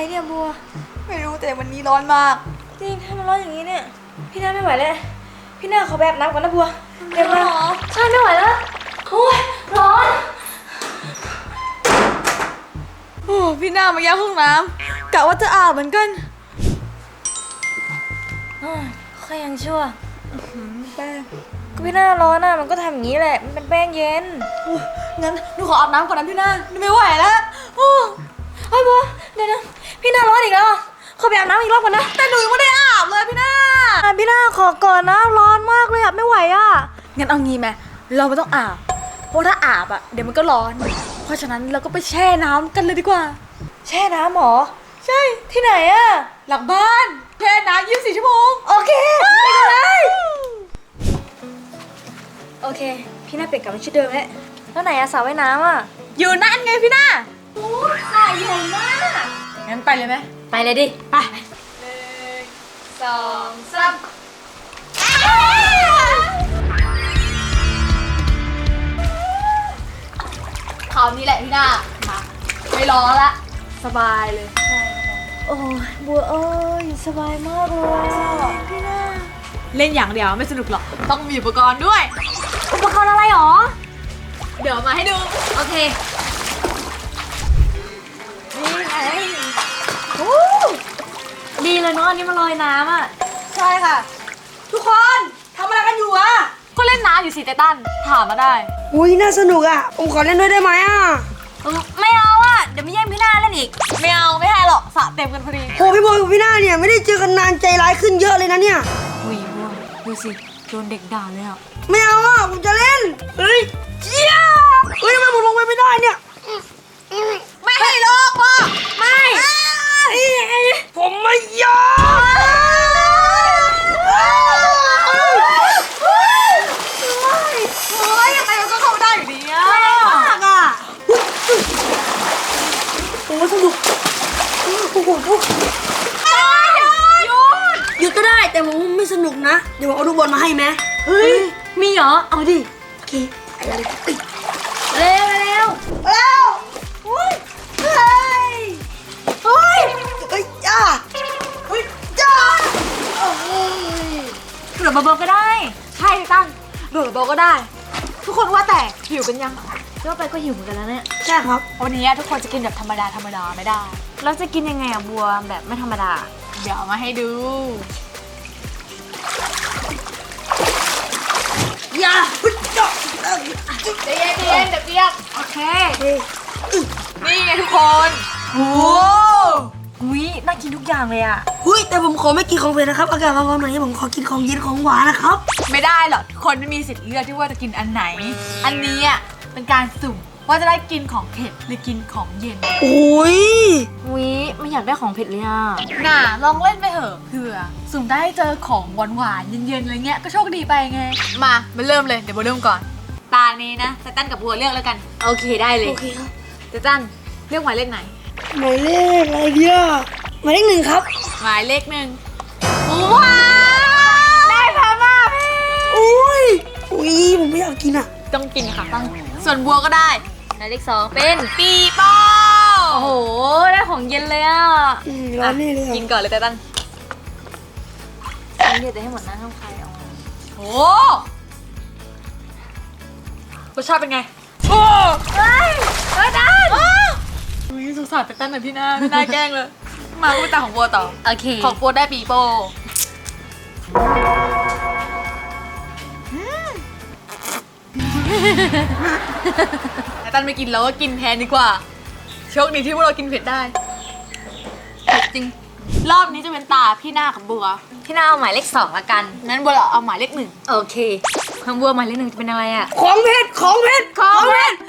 เนี่ยบัวไม่รู้แต่วันนี้ร้อนมากจริงถ้ามันร้อนอย่างนี้เนี่ยพี่นาไม่ไหวแล้วพี่นาขอแบบน้ำก่อนนะบัวเดี๋ยวมาใช่ไม่ไหวแล้วโอ้ยร้อนโอ้พี่หน้ามาแย่ห้องน้ำกะว่าจะอาบเหมือนกันค่อยยังชั่วแป้งก็พี่นาร้อนอ่ะมันก็ทำอย่างนี้แหละมันเป็นแป้งเย็นงั้นหนูขออาบน้ำก่อนนะพี่หน้าไม่ไหวแล้วเฮ้ยบัวเดี๋ยวนะพี่นาร้อนอีกแล้วขอไปอาบน้ำอีกรอบก่อนนะแต่หนูยังไม่ได้อาบเลยพี่หน้าพี่นาขอก่อนนะร้อนมากเลยอ่ะไม่ไหวอ่ะงั้นเอางี้ไหมเราไม่ต้องอาบเพราะถ้าอาบอ่ะเดี๋ยวมันก็ร้อนเพราะฉะนั้นเราก็ไปแช่น้ำกันเลยดีกว่าแช่น้ำหรอใช่ที่ไหนอ่ะหลังบ้านแช่น้ำ24 ชั่วโมงโอเคไปกันเลยโอเคพี่นาเปลี่ยนกลับมาชุดเดิมแล้วไหนอะสระว่ายน้ำอะอยู่นั่นไงพี่หน้าโอ้สระใหญ่มากงั้นไปเลยไหมไปเลยดิไป1 2 3คราวนี้แหละพี่หน้ามาไม่ร้อนละสบายเลยโอ้ยบัวเอ้ยสบายมากเลยพี่หน้าเล่นอย่างเดียวไม่สนุกหรอกต้องมีอุปกรณ์ด้วยอุปกรณ์อะไรหรอเดี๋ยวมาให้ดูโอเคนี่ไงดีเลยเนาะอันนี้มันลอยน้ำอ่ะใช่ค่ะทุกคนทำอะไรกันอยู่อะก็เล่นน้ำอยู่สิไตตันถามมาได้อุ้ยน่าสนุกอ่ะผมขอเล่นด้วยได้ไหมอ่ะไม่เอาอ่ะเดี๋ยวไม่แย่งพี่นาเล่นอีกไม่เอาไม่ให้หรอกสระเต็มกันพอดีโหพี่บอยกับพี่หน้าเนี่ยไม่ได้เจอกันนานใจร้ายขึ้นเยอะเลยนะเนี่ยอุ้ยบัวดูสิโดนเด็กด่าเลยอ่ะไม่เอาอ่ะผมจะเล่นเฮ้ยเจี๊ยเฮ้ยทำไมผมลงไปไม่ได้เนี่ยไม่ให้ลงพ่อไม่ผมไม่ยอมยังไงมันก็เข้าได้อยู่ดีอะมากอ่ะโอ้สนุกโอ้โหหยุดก็ได้แต่ผมไม่สนุกนะเดี๋ยวผมเอาลูกบอลมาให้ไหมเฮ้ยมีเหรอเอาดิโอเคไปเลยเร็วเร็วอุ้ยเฮ้ยเฮ้ยเฮ้ยจ้าเฮ้ยจ้าโดดเบาๆก็ได้ใช่ตั้งโดดเบาก็ได้ทุกคนว่าแต่หิวกันยังก็ไปก็หิวเหมือนกันแล้วเนี่ยใช่ครับวันนี้ทุกคนจะกินแบบธรรมดาไม่ได้แล้วจะกินยังไงอะบัวแบบไม่ธรรมดาเดี๋ยวเอามาให้ดูอย่าใจเย็นเดี๋ยวเปียกโอเคนี่ไงทุกคนโอ้อุ้ยน่ากินทุกอย่างเลยอะหุ้ยแต่ผมขอไม่กินของเผ็ดนะครับอากาศร้อนๆหน่อยผมขอกินของเย็นของหวานนะครับไม่ได้หรอกคนไม่มีสิทธิ์เลือกที่ว่าจะกินอันไหนอันนี้อ่ะเป็นการสุ่มว่าจะได้กินของเผ็ดหรือกินของเย็นโอ้ยไม่อยากได้ของเผ็ดเลยอะน่ะลองเล่นไปเถอะเผื่อสุ่มได้เจอของหวานเย็นๆอะไรเงี้ยก็โชคดีไปไงมาเริ่มเลยเดี๋ยวโบเริ่มก่อนตานี้นะไตตันกับบัวเลือกแล้วกันโอเคได้เลยโอเคครับไตตันเลือกหมายเลขไหนหมายเลขอะไรเดียหมายเลข1ครับหมายเลข1ว้าวได้พามาพี่อุ้ยผมไม่อยากกินอ่ะต้องกินค่ะต้องส่วนบัวก็ได้หมายเลข2เป็นปีโป้โอ้โหได้ของเย็นเลยอ่ะร้อนนี่เลยกินก่อนเลยไตตันเดี๋ยวให้หมดนะห้องใครเอาโอ้รสชาติเป็นไงโอ้ได้สงสารไตตันหน่อยพี่หน้าแกล้งเลยมาพูดตาของบัวต่อโอเคของบัวได้ปีโป้ไตตันไม่กินแล้วก็กินแทนดีกว่าโชคดีที่พวกเรากินเผ็ดได้เผ็ดจริงรอบนี้จะเป็นตาพี่หน้ากับบัวพี่นาเอาหมายเลข2ละกันงั้นบัวเอาหมายเลข1 โอเคทางบัวหมายเลข1จะเป็นอะไรอะของเผ็ดโอ้ของเผ็ดของเผ็ด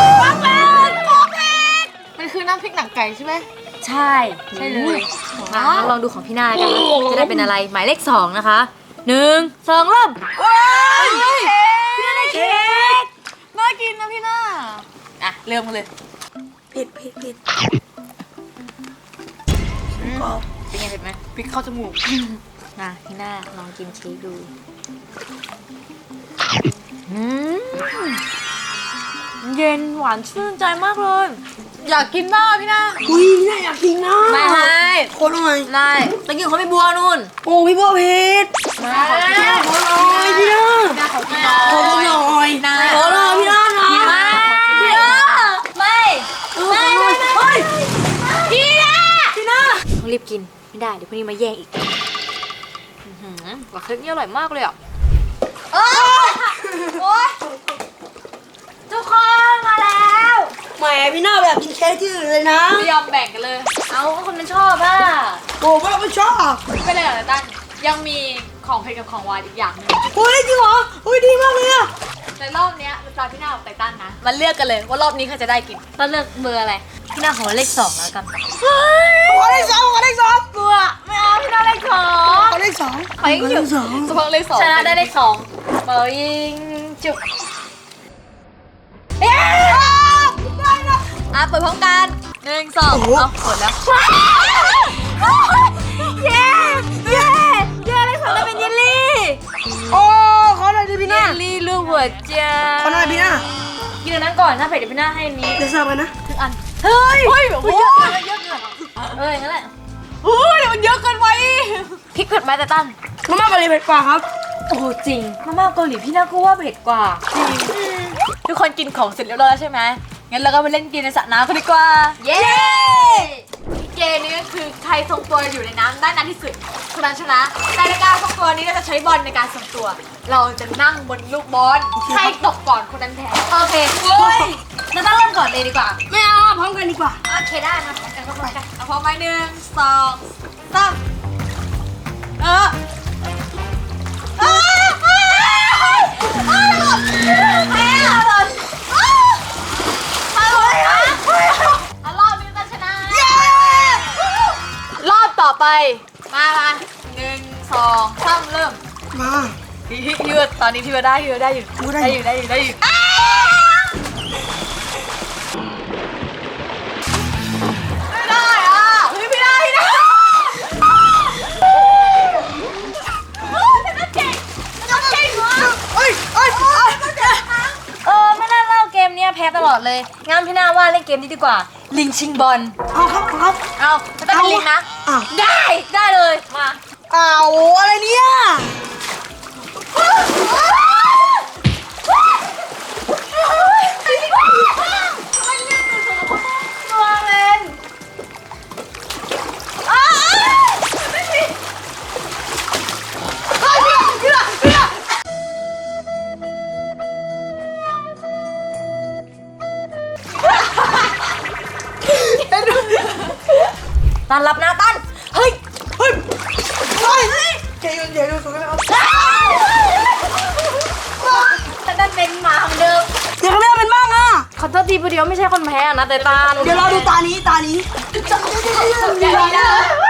มันคือน้ำพริกหนังไก่ใช่ไหมใช่เลยลองดูของพี่นากันจะได้เป็นอะไรหมายเลข2นะคะ1 2เริ่มพี่นาได้เค้กน่ากินนะพี่นาอ่ะเริ่มกันเลยเผ็ดเป็นไงเผ็ดไหมพริกเข้าจมูกนะพี่นาลองกินเค้กดูเย็นหวานชื่นใจมากเลยอยากกินบ้างพี่นาอุ้ยพี่นาอยากกินนะไม่ให้คนหน่อยได้ตะกี้เขาไม่บัวนู่นโอ้พี่บัวเพชรมาพี่นาขอหน่อยพี่นาพี่นาขอกินหน่ขอหน่อยนะขอหน่อยพี่นานะกินมาพี่นาไม่ไม่เฮ้ยพี่นาพี่นาต้องรีบกินไม่ได้เดี๋ยวพรุ่งนี้มาแย่งอีกว่าเค้กนี่อร่อยมากเลยอ่ะโอ๊ยทุกคนมาแล้วแหมพี่นาแบบกินเค้กที่อื่นเลยนะไม่ยอมแบ่งกันเลยเอาก็คนมันชอบอ่ะโอ้พวกเราไม่ชอบไม่เป็นไรหรอกนะตั้นยังมีของเผ็ดกับของหวานอีกอย่างหนึงโอ้ยจริงเหรอโอ้ยดีมากเลยอะในรอบเนี้ยเป็นตาพี่นากับไตตันนะมันเลือกกันเลยว่ารอบนี้ใครจะได้กินต้องเลือกเบอร์อะไรพี่นาขอเลข2แล้วกันขอเลขสองขอเลขสองกลัวไม่เอาพี่นาเลข2 ขอเลขสองไปยิงฉุบสองเฉพาะเลข2 ชนะได้เลข2เบอร์ยิงจุบเย้ได้แล้วอ่ะเปิดพร้อมกัน1 2เอาเปิดแล้วเย้เย้เย้เลข2ได้เป็นเยลลี่โอ้ขอหน่อยดิพี่เยนาลลี่รูปหัวใจขอหน่อยพี่นากินอันนั้นก่อนถ้าเผ็ดเดี๋ยวพี่นาให้อันนี้เดี๋ยวเสิร์ฟกันนะทุกอันเฮ้ยเฮ้ยโอ้โหเยอะเกินอย่างนั้นแหละเฮ้ยเดี๋ยวมันเยอะเกินไปพริกเผ็ดไหมแต่ตั้นมาม่าเกาหลีเผ็ดกว่าครับโอ้โหจริงมาม่าเกาหลีพี่น่าก็ว่าเผ็ดกว่าทุกคนกินของเสร็จเรียบร้อยแล้วใช่ไหมงั้นเราก็ไปเล่นเกมในสระน้ำกันดีกว่าเย้เกมนี้ก็คือใครทรงตัวอยู่ในน้ำได้นานที่สุดคนนั้นชนะแต่ในการทรงตัวนี้เราจะใช้บอลในการทรงตัว เราจะนั่งบนลูกบอลใครตกก่อนคนนั้นแพ้โอเคเฮ้ยเราต้องเริ่มก่อนเลยดีกว่าไม่เอาอะพร้อมกันดีกว่าโอเคได้มาพร้อมกันพร้อมกันเอาพร้อมไหม1 2 3เออแพ้หล่นรอบนี้จะชนะรอบต่อไปมา1 2 3เริ่มมาพี่ยืดตอนนี้พี่ว่าได้อยู่ได้อยู่ได้อยู่ได้อยู่ได้อยู่ไม่ได้อ่ะเฮ้ยไม่ได้ไม่ได้เก่งเก่งวะเอ้ยเอ้ยเอ้ยไม่น่าเล่าเกมเนี้ยแพ้ตลอดเลยงั้นพี่น่าว่าเล่นเกมนี้ดีกว่า ลิงชิงบอลเอาครับเอาครับเอาจะต้องเป็นลิงนะอ้าวได้เลยมาอ้าวอะไรเนี่ยตัวเล่น ตันรับนะตันเฮ้ยเฮ้ยเฮ้ยเดี๋ยวสูงกันเอาตันเป็นหมาของเดิมเดี๋ยวเขาไม่เอาเป็นบ้างอ่ะขอโทษทีพอดีว่าไม่ใช่คนแพ้นะแต่ตันเดี๋ยวเราดูตานี้ตานี้อย่าดีนะ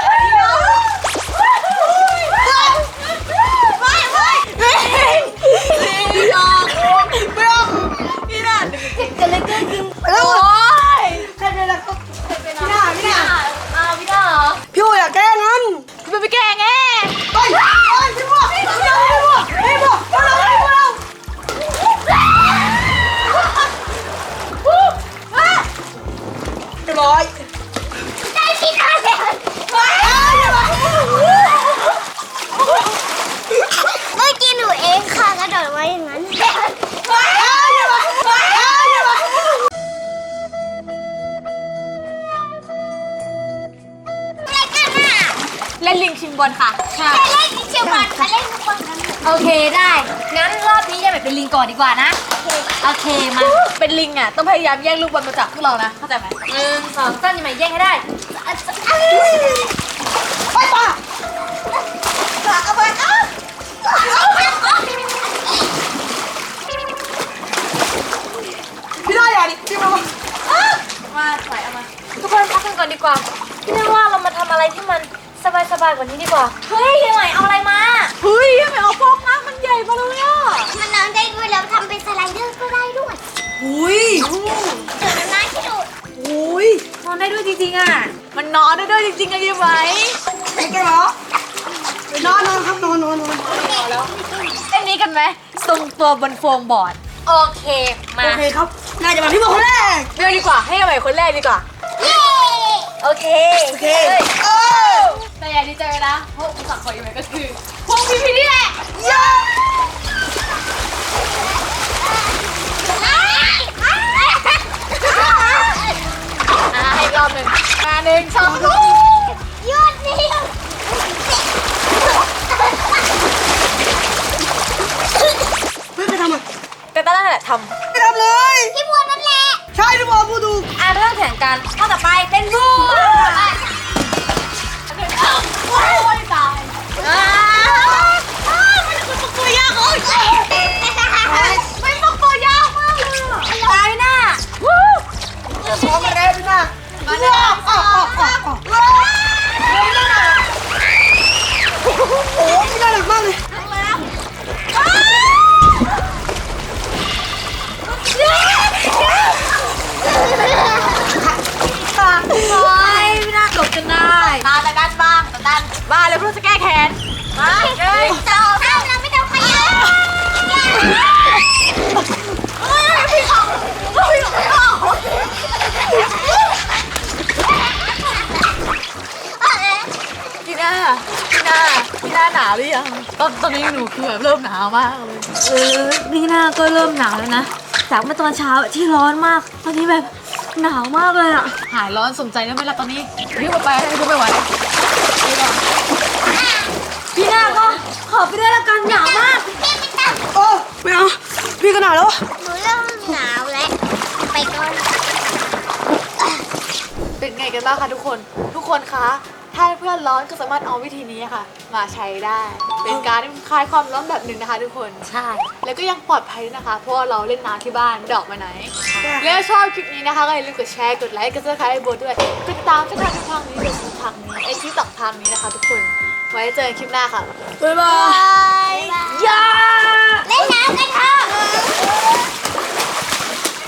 พี่น้องพี่น่ากันเลยก็กินแล้วโอ้ยใครเป็นอะไรครับพี่นาพี่นาพี่น่าเหรอพี่โออยากแก้งั้นพี่ไปแกล้งไงไปพี่บัวพี่บัวพี่บัวพี่บัวเราพี่บัวเราเรียบร้อยได้พี่น่าเลยเมื่อกี้หนูเองค่ะกระโดดไว้อย่างนั้นเล่นลิงชิงบอลค่ะไปเล่นเชียวบอลไปเล่นลูกบอลกันโอเคได้ งั้นรอบนี้ยังแบบเป็นลิงก่อนดีกว่านะ โอเคมาเป็นลิงอ่ะต้องพยายามแย่งลูกบอลมาจากพวกเรานะเข้าใจไหม 1 2 3ยังไงแย่งให้ได้ไปป่ะเอาไปเอาพี่นาอย่าดิพี่บัวมาใส่เอามาทุกคนพักกันก่อนดีกว่า พี่นึกว่าเรามาทำอะไรที่มันสบายๆกว่านี้ดีกว่า เฮ้ยยังไงเอาอะไรมาเฮ้ยทำไมเอาฟองน้ำมันใหญ่มาเลยอ่ะมันน้ำได้ด้วยแล้วทำเป็นสไลเดอร์ก็ได้ด้วยอุ้ยเดี๋ยวน้ำที่ดูดอุ้ยนอนได้ด้วยจริงๆอ่ะมันนอนได้ด้วยจริงๆอะยี่ไหมไอ้แกเหรอ นอนครับนอนเล่นนี้กันไหมทรงตัวบนโฟมบอร์ดโอเค มาโอเคครับ น่าจะมาพี่บัวคนแรกเลือกดีกว่าให้เอาใหม่คนแรกดีกว่าโอเคโอเคเออแต่อย่าดีใจไปนะเพราะอุปสรรคของอีเวนต์ก็คือพวกพี่ๆนี่แหละเย้ให้รอบหนึ่งมาหนึ่งสองยอดเยี่ยมเพื่อนใครทำอ่ะเตต้านั่นแหละทไม่ทำเลยพี่บัวนั่นแหละใช่ที่บอกพูดถูกำอ่ะเริ่มแข่งกันข้อต่อไปเป็นบัวโอ้ยตายตัวยากเลยไม่ต้องตัวยากมากเลยอะตายหน้าพร้อมมาแล้วพี่นามาแล้วอ๋อโอ้พี่น่ารักมากเลยตาโอ้ยไม่น่าจบกันได้ตาแต่ด้านบ้างแต่ด้านบ้าเลยเพื่อจะแก้แค้นมาเลยสองสามเราไม่ต้องขยับพี่ออกพี่ออก พี่หน้าหนาวหรือยังตอนนี้หนูคือแบบเริ่มหนาวมากเลยนี่หน้าก็เริ่มหนาวแล้วนะจากเมื่อตอนเช้าที่ร้อนมาก ตอนนี้แบบหนาวมากเลยอ่ะหายร้อนสมใจได้ไหมล่ะตอนนี้รีบไปรีบไปไหวพี่หน้าก็ขอไปด้วยละกันหนาวมากโอ้ไม่เอาพี่ขนาดแล้วหนูเริ่มหนาวแล้วไปก่อนเป็นไงกันบ้างคะทุกคนคะถ้าเพื่อนร้อนก็สามารถเอาวิธีนี้ค่ะ มาใช้ได้ เป็นการคลายความร้อนแบบหนึ่งนะคะทุกคนใช่แล้วก็ยังปลอดภัยด้วยนะคะ เพราะว่าเราเล่นน้ำที่บ้านดอกมาไหน แล้วชอบคลิปนี้นะคะก็อย่าลืมกดแชร์กดไลค์กดซับสไครต์ให้โบด้วยกดติดตามช่องทางนี้เดี๋ยวทางนี้ไอที่ต่อทางนี้นะคะ ทุกคนไว้เจอกันคลิปหน้าค่ะบ๊ายบายบาย